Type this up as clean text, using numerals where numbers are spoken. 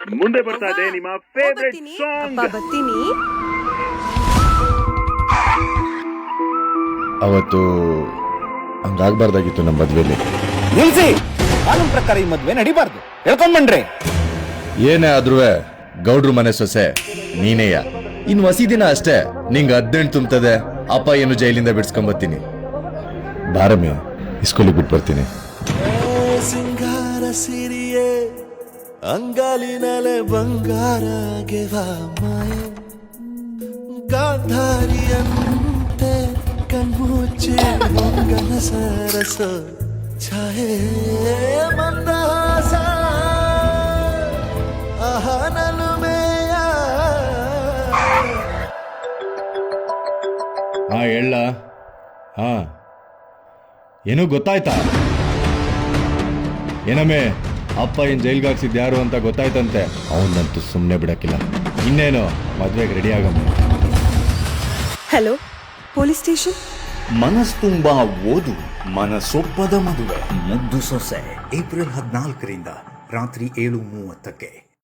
ಮುಂದೆ ಬರ್ತಾ ಇದೆ ನಿಮ್ಮ ಫೇವರೇಟ್ ಸಾಂಗ್. ಬರ್ತೀನಿ. ಅವತ್ತು ಹಂಗಾಗ್ಬಾರ್ದಾಗಿತ್ತು ನಮ್ಮ ಮದ್ವೆಲಿ. ನಿಲ್ಸಿ, ಕಾನೂನು ಪ್ರಕಾರ ಈ ಮದ್ವೆ ನಡಿಬಾರ್ದು. ಹೇಳ್ಕೊಂಡ್ ಬನ್ರಿ. ಏನೇ ಆದ್ರೂ ಗೌಡ್ರು ಮನೆ ಸೊಸೆ ನೀನೇಯ. ಇನ್ ವಸಿ ದಿನ ಅಷ್ಟೇ ನಿಂಗೆ 18 ತುಂಬುತ್ತದೆ. ಅಪ್ಪ ಏನು ಜೈಲಿಂದ ಬಿಡ್ಸ್ಕೊಂಬತ್ತೀನಿ. ಬಾರಮ್ಮಿ, ಇಸ್ಕೂಲಿಗೆ ಬಿಟ್ಟು ಬರ್ತೀನಿ. ಸಿಂಗಾರ ಸಿರಿಯೇ ಅಂಗಾಲಿನಲೆ ಬಂಗಾರ ಮಾಯೆ ಗಾಂಧಾರಿಯಂತೆ ಕಣ್ಮುಚ್ಚಿ ಮಂಗನ ಸರಸ ಛಾಯೆ ಮಂದಹಾಸ ಆಹನಲುಮೆಯ. ಹೇಳ. ಏನೋ ಗೊತ್ತಾಯ್ತಾ? ಏನಮ್ಮೆ, ಅಪ್ಪ ಏನ್ ಜೈಲ್ಗೆ ಹಾಕ್ಸಿದ್ ಯಾರು ಅಂತ ಗೊತ್ತಾಯ್ತಂತೆ. ಅವನಂತೂ ಸುಮ್ಮನೆ ಬಿಡಕ್ಕಿಲ್ಲ. ಇನ್ನೇನು ಮದ್ವೆಗೆ ರೆಡಿ ಆಗಮ್ಮ. Hello, police station. ಮನಸ್ ತುಂಬಾ ಓದು, ಮನಸೊಪ್ಪದ ಮದುವೆ. ಮುದ್ದು ಸೊಸೆ ಏಪ್ರಿಲ್ 14ರಿಂದ ರಾತ್ರಿ 7:30ಕ್ಕೆ.